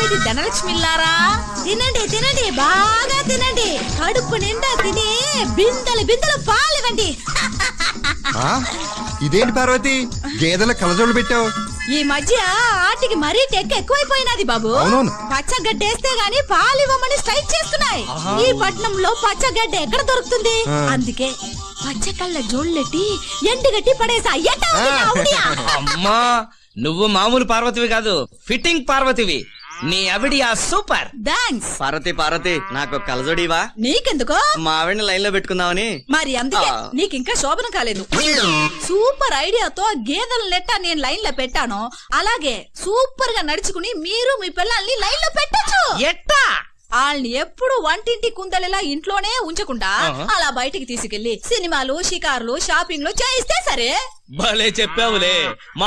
ఏమిటి ధనలక్ష్మిల్లారా, తినండి తినండి, బాగా తినండి, కడుపు నిండా తిని బిందెలు బిందెలు పాలివ్వండి. ఇదేంటి పార్వతి, గేదెల కలజోళ్ళు పెట్టావు? ఈ మధ్య ఆటికి మరీ టెక్ ఎక్కువైపోయినది బాబు. పచ్చగడ్డేస్తే గాని పాలివ్వమని స్ట్రైక్ చేస్తున్నాయి. ఈ పట్నంలో పచ్చగడ్డ ఎక్కడ దొరుకుతుంది? అందుకే పచ్చకళ్ళ జోళ్ళెట్టి ఎండుగట్టి పడేసా. అమ్మా, నువ్వు మామూలు పార్వతివి కాదు, ఫిట్టింగ్ పార్వతివి. నీ అవిడియా సూపర్. థాంక్స్. పార్వతి నాకు కలజోడివా? నీకెందుకో? మా ఆవిడని లైన్ లో పెట్టుకుందామని. మరి అందుకే నీకింకా శోభనం కాలేదు. సూపర్ ఐడియాతో గేదెల నెట్ట నేను లైన్ లో పెట్టాను, అలాగే సూపర్ గా నడుచుకుని మీరు మీ పిల్లల్ని లైన్ లో పెట్టచ్చు. ఎట్టా? వాళ్ళని ఎప్పుడు వంటింటి కుందలిలా ఇంట్లోనే ఉంచకుండా అలా బయటికి తీసుకెళ్లి సినిమాలు, షికారులు, షాపింగ్లు చేయిస్తే సరే. భలే చెప్పావులే.